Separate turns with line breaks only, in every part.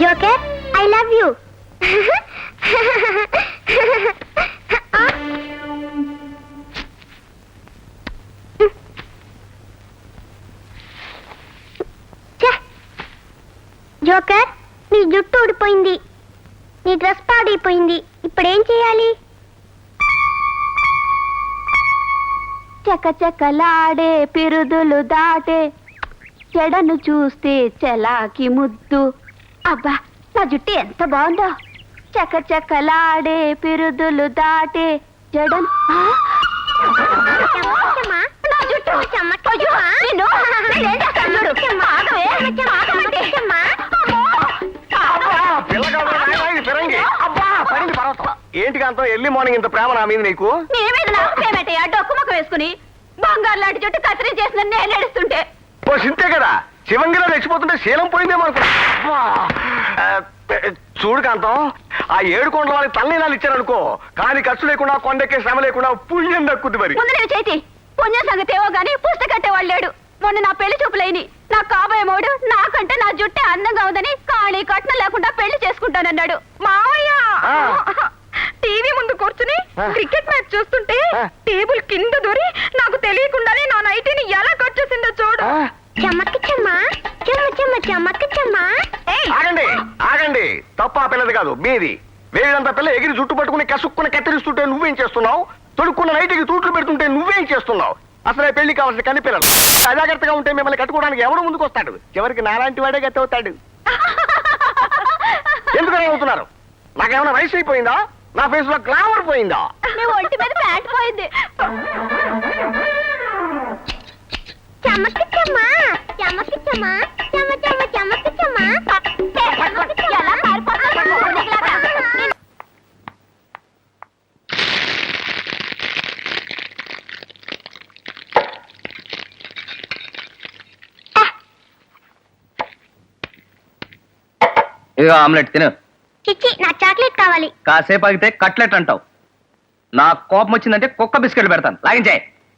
Joker I love you. Joker నీ జుట్టు ఊడిపోయింది, నీ డ్రెస్ పాడైపోయింది, ఇప్పుడేం చేయాలి?
చకచకలాడే పిరుదులు దాటే చెడను చూస్తే చెలాకి ముద్దు. అబ్బా నా జుట్టు ఎంత బాగుందో. చకచకలాడే పిరుదులు దాటే జడను నా జుట్టు. అయ్యో, నిన్ను నేనేం చేస్తాను చూడు. ఆగవే.
ఏంటి కాంతం ఎర్లీ మార్నింగ్ ఇంత ప్రేమ నా మీద నీకు?
డొక్కు ముఖం వేసుకుని బంగారు లాంటి జుట్టు కత్తిరి చేసిన నేను ఏడుస్తుంటే
ఓ సింతే కదా, శివంగిలో రెచ్చిపోతుంటే శీలం పోయిందేమో అనుకో. చూడు కాంతం, ఆ 7 కొండల వాళ్ళకి తల్లినాలు ఇచ్చారనుకో, కానీ ఖర్చు లేకుండా కొండెక్కే శ్రమ లేకుండా పుణ్యం దక్కుద్ది. మరి
ముందు నేను చేతి పుణ్యం సంగతి ఏవో గానీ పుస్తక కట్టేవాళ్ళు లేడు. మొన్న నా పెళ్లి చూపులైని నా కాబోయే మోడు నాకంటే నా జుట్టే అందంగా ఉందని కానీ కట్నం లేకుండా పెళ్లి చేసుకుంటానన్నాడు. మావయ్య టీవీ ముందు కూర్చుని క్రికెట్ మ్యాచ్ చూస్తుంటే టేబుల్ కింద దూరి నాకు తెలియకుండానే నా నైటీని ఎలా కట్ చేసిందో చూడు.
ఆగండి ఆగండి, తప్ప ఆ పిల్లది కాదు మీది. వేడంత పిల్ల ఎగిరి జుట్టు పట్టుకుని కసుక్కుని కత్తిరిస్తుంటే నువ్వేం చేస్తున్నావు? తొడుక్కున్న నైట్కి తూట్లు పెడుతుంటే నువ్వేం చేస్తున్నావు? అసలే పెళ్లి కావాల్సిన కన్ని పిల్లలు అజాగ్రత్తగా ఉంటే మిమ్మల్ని కట్టుకోవడానికి ఎవడు ముందుకు వస్తాడు? చివరికి నాలాంటి వాడే గతి అవుతాడు. ఎందుకని అవుతున్నారు? నాకేమైనా వయసు అయిపోయిందా? నా ఫేస్ లో గ్లామర్ పోయిందా?
ఒంటి మీద ప్యాంట్ పోయింది.
ఇదిగో ఆమ్లెట్ తిను.
చిచ్చి, నా చాక్లెట్ కావాలి.
కాసేపు ఆగితే కట్లెట్ అంటావు. నా కోపం వచ్చిందంటే కుక్క బిస్కెట్లు పెడతాను. లాగించాయి.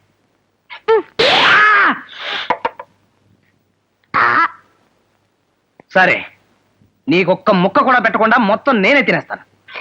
సరే, నీకొక్క ముక్క కూడా పెట్టకుండా మొత్తం నేనే తినేస్తాను.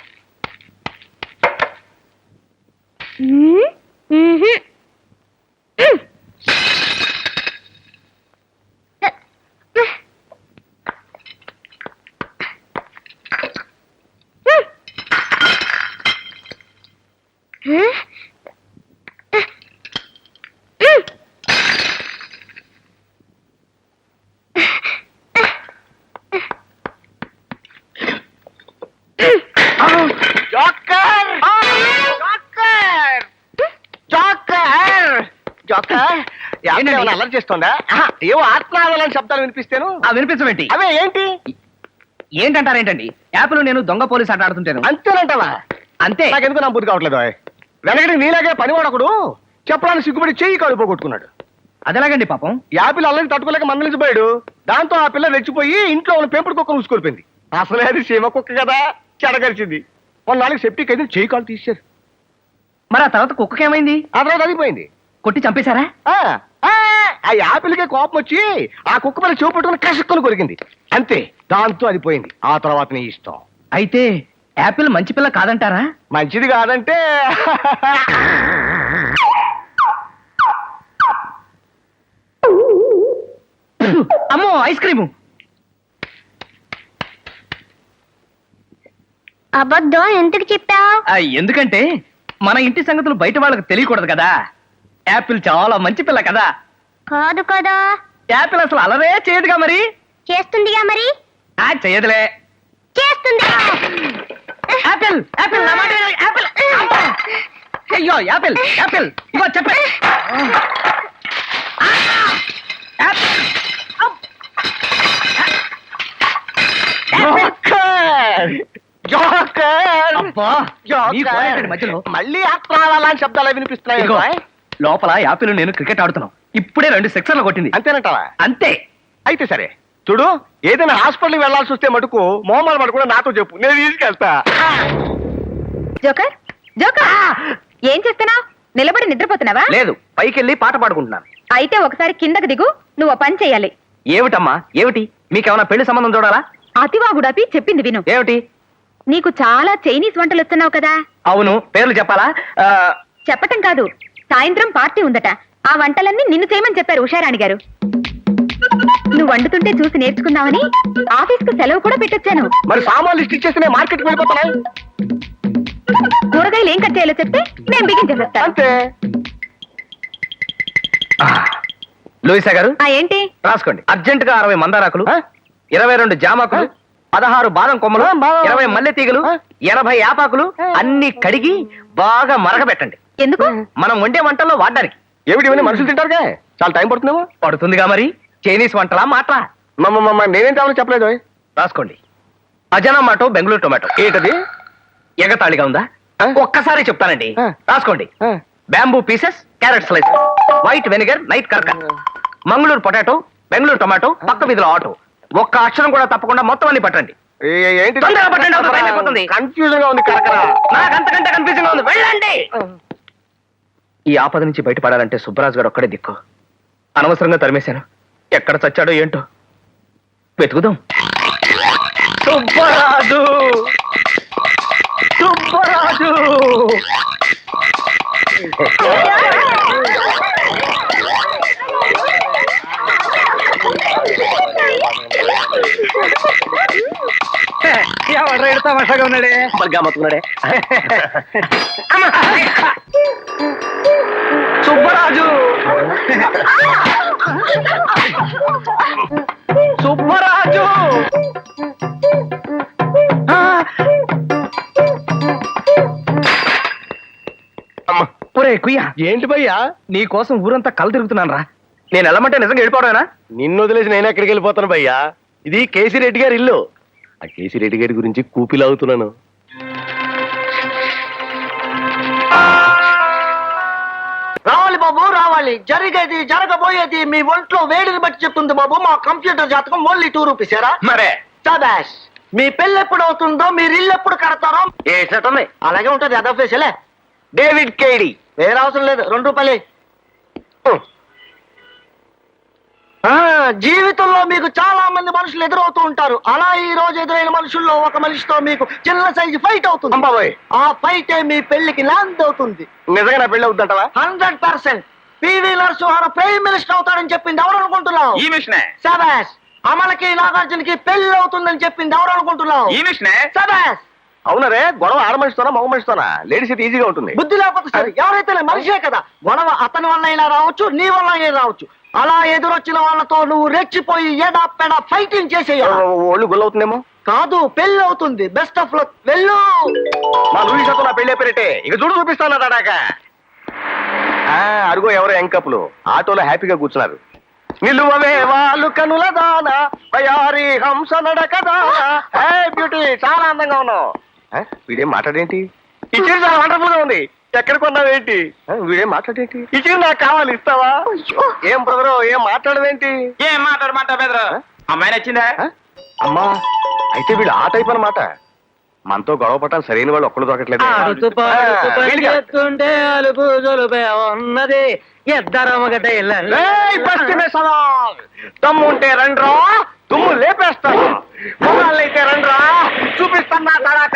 జోకర్ జోకర్ జోకర్ అల్లరి చేస్తుందా? ఏవో ఆత్మాలని శబ్దాలు వినిపిస్తేను.
వినిపించమేంటి?
అవే ఏంటి
ఏంటంటారేంటండి? యాపిల్ నేను దొంగ పోలీస్ ఆట ఆడుతుంటాను.
అంతేనంటావా?
అంతే.
నాకెందుకు నా బుద్ధి కావట్లేదు. వెనకటి నీలాగే పనివాడకుడు చెప్పడానికి సిగ్గుపడి చెయ్యి కడుపు కొట్టుకున్నాడు.
అదేలాగండి పాపం.
యాపిల్ అల్లరి తట్టుకోలేక మందలించిపోయాడు. దాంతో ఆ పిల్ల రెచ్చిపోయి ఇంట్లో ఉన్న పెంపుడు కుక్కను ఊసుకొలిపోయింది. అసలే అది సీమ కుక్క కదా, చెడగరిచింది. కొన్నాళ్ళకి సెప్టిక్ అయితే చెయ్యి కాలు తీశారు.
మరి ఆ తర్వాత కుక్కకేమైంది?
ఆ తర్వాత అదిపోయింది.
కొట్టి చంపేశారా?
ఆ యాపిల్కే కోపం వచ్చి ఆ కుక్క పని చెవు పట్టుకుని కసుక్కుని కొరికింది. అంతే, దాంతో అది పోయింది. ఆ తర్వాత నీ ఇష్టం.
అయితే యాపిల్ మంచి పిల్ల కాదంటారా?
మంచిది కాదంటే
అమ్మో, ఐస్ క్రీము.
అబద్ధం ఎందుకు చెప్పావు?
ఎందుకంటే మన ఇంటి సంగతులు బయట వాళ్ళకి తెలియకూడదు కదా. యాపిల్ చాలా మంచి పిల్ల కదా.
కాదు కదా.
యాపిల్ అసలు అలరే చేయదుగా. మరి
చేస్తుందిగా. మరి
చేయదులే.
చేస్తుంది.
యాపిల్ యాపిల్ నా మాట విను. యాపిల్. అయ్యో యాపిల్ యాపిల్ ఇగో చెప్పే. మధ్యలో
మళ్ళీ ఆత్మాలని శబ్దాలు వినిపిస్తున్నాయి.
లోపల యాపిల్ నేను క్రికెట్ ఆడుతున్నాం. ఇప్పుడే 2 సిక్సర్లు కొట్టింది.
అంతేనంటావా?
అంతే.
అయితే సరే చూడు, ఏదైనా హాస్పిటల్కి వెళ్లాల్సి వస్తే మటుకు మోమాలు పడు కూడా నాతో చెప్పు, నేను తీసుకెళ్తా.
జోకర్ జోకర్, ఏం చేస్తున్నావు? నిలబడి నిద్రపోతున్నావా?
లేదు, పైకెళ్ళి పాట పాడుకుంటున్నాను.
అయితే ఒకసారి కిందకి దిగు. నువ్వు పని చెయ్యాలి.
ఏమిటమ్మా ఏమిటి? మీకేమైనా పెళ్లి సంబంధం చూడాలా?
అతివాగుడాపి చెప్పింది విను.
ఏమిటి?
నీకు చాలా చైనీస్ వంటలు వస్తున్నావు కదా.
అవును, పేర్లు చెప్పాలా?
చెప్పటం కాదు, సాయంత్రం పార్టీ ఉందట. ఆ వంటలన్నీ నిన్ను చేయమని చెప్పారు ఉషారాణి గారు. నువ్వు వండుతుంటే చూసి నేర్చుకుందామని ఆఫీస్ కు సెలవు కూడా పెట్టొచ్చాను.
మరి సామాన్లు లిస్ట్ ఇచ్చేసి మార్కెట్కి వెళ్ళిపోతానా?
కూరగాయలు ఏం కట్ చేయాలో చెప్తే నేను బిగించేసేస్తాను.
అంతే.
లూయిసా గారు
ఏంటి?
రాసుకోండి. అర్జెంట్ గా 60 మందారాకులు, 22 జామాకులు, 16 బాదం కొమ్మలు, 20 మల్లె తీగలు, 80 యాపాకులు అన్ని కడిగి బాగా మరగబెట్టండి.
ఎందుకు?
మనం వండే వంటల్లో వాడడానికి.
ఏమిటి ఇవన్నీ మనుషులు తింటారుగా, చాలా టైం పడుతుందేమో.
పడుతుందిగా మరి. చైనీస్ వంటలా మాట్లా.
నేనేం కావాలో చెప్పలేదు.
రాసుకోండి. Ajinomoto Bengaluru tomato.
ఏంటది?
ఎగతాళిగా ఉందా? ఒక్కసారి చెప్తానండి. రాసుకోండి.
ఆ.
Bamboo pieces, carrot slice, white vinegar, నైట్ కర్కర్, మంగళూరు పొటాటో, బెంగళూరు టొమాటో, పక్క వీధిలో ఆటో. ఒక్క అక్షరం కూడా తప్పకుండా మొత్తం అన్ని పట్టండి.
ఏంటి?
తొందరగా పట్టండి, అవతల టైం అయిపోతుంది.
కన్ఫ్యూజన్ గా ఉంది. కరకరా
నాకు అంతకంటే కన్ఫ్యూజన్ గా ఉంది. వెళ్ళండి. ఈ ఆపద నుంచి బయటపడాలంటే సుబ్బరాజు గారు ఒక్కడే దిక్కు. అనవసరంగా తరిమేశాను. ఎక్కడ చచ్చాడో ఏంటో వెతుకుదాం. సుబ్బరాజు, సుబ్బరాజు. ఎవరు ఎడతా వర్షగా ఉన్నాడే, బల్గా మొత్తున్నాడే. సుబ్బరాజు, సుబ్బరాజు. ఒరే కుయ్యా,
ఏంటి భయ్యా?
నీ కోసం ఊరంతా కళ్ళు తిరుగుతున్నాను రా. నేను వెళ్ళమంటే నిజంగా వెళ్ళిపోవడమేనా?
నిన్ను వదిలేసి నేను ఎక్కడికి వెళ్ళిపోతాను భయ్యా? ఇది కేసీ రెడ్డి గారి ఇల్లు. ఆ కేసీ రెడ్డి గారి గురించి కూపిలాగుతున్నాను.
రావాలి బాబు రావాలి. జరిగేది జరగబోయేది మీ ఒంట్లో వేడిని బట్టి చెప్తుంది బాబు. మా కంప్యూటర్ జాతకం ఓన్లీ 2 రూపీస్.
మరే
సబాష్. మీ పెళ్ళి ఎప్పుడు అవుతుందో, మీరు ఇల్లు ఎప్పుడు కడతారో
ఏసటమే
అలాగే ఉంటది. అదో ఫేసలే.
డేవిడ్ కేడి.
వేరే అవసరం లేదు. 2 రూపాయలే. జీవితంలో మీకు చాలా మంది మనుషులు ఎదురవుతూ ఉంటారు. అలా ఈ రోజు ఎదురైన మనుషుల్లో ఒక మనిషితో మీకు చిన్న సైజు ఫైట్ అవుతుంది.
అంబాబోయ్,
ఆ ఫైట్ మీ పెళ్లికి ల్యాండ్ అవుతుంది.
నిజంగా నా పెళ్లి అవుతుంటావా?
100%. పివి నరసింహారావు ప్రైమ్ మినిస్టర్ అవుతాడని చెప్పింది ఎవరు అనుకుంటున్నావు?
ఈ మిషనే.
సబాష్. అమలకి నాగార్జునకి పెళ్లి అవుతుందని చెప్పింది ఎవరు అనుకుంటున్నావు?
ఈ మిషనే.
సబాష్.
అవునరే, గొడవ ఆడ మనిషితోనా మగ మనిషితోనా? లేడీస్ అయితే ఈజీగా ఉంటుంది.
బుద్ధి లేకపోతే సరే, ఎవరైతే మనిషే కదా. గొడవ అతని వల్ల అయినా రావచ్చు, నీ వల్ల అయినా రావచ్చు. అలా ఎదురొచ్చిన వాళ్ళతో నువ్వు రెచ్చిపోయి ఎడా పెడా ఫైటింగ్ చేసేయాలి.
ఒళ్ళు గుల్లవుతుందేమో.
కాదు, పెళ్లి అవుతుంది. Best of luck. వెళ్ళు.
మా లూయిసాతో నా పెళ్లి అయిపోయినట్టే. ఇక చూడు చూపిస్తాను దాడాక. అరుగో ఎవరో ఎంకప్పులు ఆటోలో హ్యాపీగా కూర్చున్నారు. నిలువవే వాళ్ళు కనుల దాన వయారి హంస నడక దాన. బ్యూటీ, చాలా అందంగా ఉన్నావు. వీడేం మాట్లాడేంటి? ఈ చీర చాలా వండర్ఫుల్ గా ఉంది. ఎక్కడ కొన్నావేంటి? వీడేం మాట్లాడేంటి? ఈ చీర నాకు కావాలి, ఇస్తావా? ఏం బ్రదరు, ఏం మాట్లాడవేంటి?
ఏం మాట్లాడమంటావు బెదరు? అమ్మాయి నచ్చిందా?
అమ్మా, అయితే వీళ్ళు ఆ టైప్ అన్నమాట. మనతో గొడవ పట్టాలి సరైన వాళ్ళు ఒక్కళ్ళు దొరకట్లేదు.
అలుపు జొలుపే ఉన్నది. ఎద్దరమ్మగడ్డ
తమ్ము ఉంటే రండ్రా, తుమ్ము లేపేస్తాను. మొగాళ్ళైతే రండ్రా, చూపిస్తాను నా తడాక.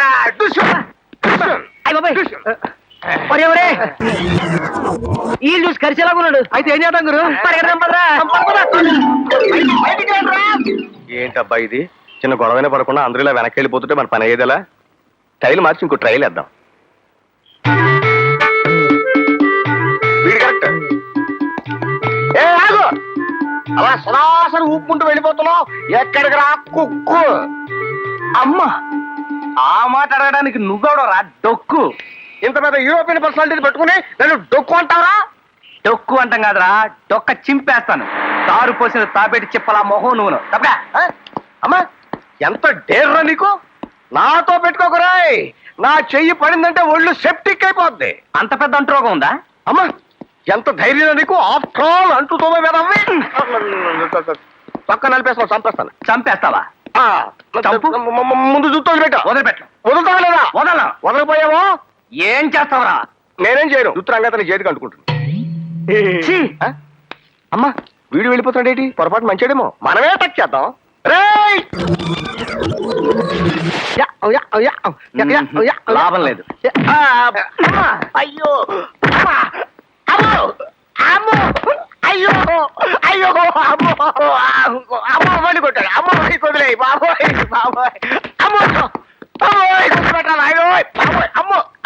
ఈ చూసి కరిచేలాగున్నాడు. అయితే ఏం చేద్దాం గురు?
ఏంటబ్బా ఇది? చిన్న గొడవైనా పడకుండా అందరూ ఇలా వెనక్కి వెళ్ళిపోతుంటే మన పని అయ్యేదలా? టైల్ మార్చి ఇంకో ట్రైల్ వేద్దాం. వీడు కరెక్ట్. ఏ ఆగు, అలా సరాసరి ఊపుకుంటూ వెళ్ళిపోతున్నావు. ఎక్కడికి రా కుక్కు.
అమ్మా, ఆ మాట అడగడానికి నువ్వెవడో రా డొక్కు.
ఇంత పెద్ద యూరోపియన్ పర్సనాలిటీ పెట్టుకుని నన్ను డొక్కు అంటారా?
డొక్కు అంటాం కాదురా, డొక్క చింపేస్తాను. తారు పోసిన తాపేటి చెప్పలా మొహం నువ్వు. తప్పగా
అమ్మా, ఎంత డేర్రా నీకు? నాతో పెట్టుకోకరాయ్. నా చెయ్యి పడిందంటే ఒళ్ళు సెప్టిక్ అయిపోద్ది.
అంత పెద్ద అంటురోగం ఉందా?
అమ్మా, ఎంత ధైర్యం నీకు? ఆఫ్టర్ ఆల్ అంటుతోమే వేదవ్వి. పక్క నలిపేస్తాను, చంపేస్తాను.
చంపేస్తావా? చంపు.
ముందు చూస్తూ వదిలిపెట్ట.
వదిలిపెట్టు.
వదులుతావా లేదా?
వదలను.
వదలపోయావో
ఏం చేస్తావరా?
నేనేం చేయను. రుతురంగా చేతికి అంటుకుంటుంది. అమ్మా, వీడు వెళ్ళిపోతాడేటి? పొరపాటు మంచాడేమో. మనమే టచ్ చేద్దాం. రేయ్! లాభం లేదు.
అయ్యో అమ్మా! అమ్మో! అమ్మో! అయ్యో అయ్యో అమ్మో అమ్మో వాడి కొట్టాడు అమ్మో వాడి కొదిలే బాబోయ్ బాబోయ్ అమ్మో అమ్మో కొట్టు పెట్టాలి అయ్యో బాబోయ్ అమ్మో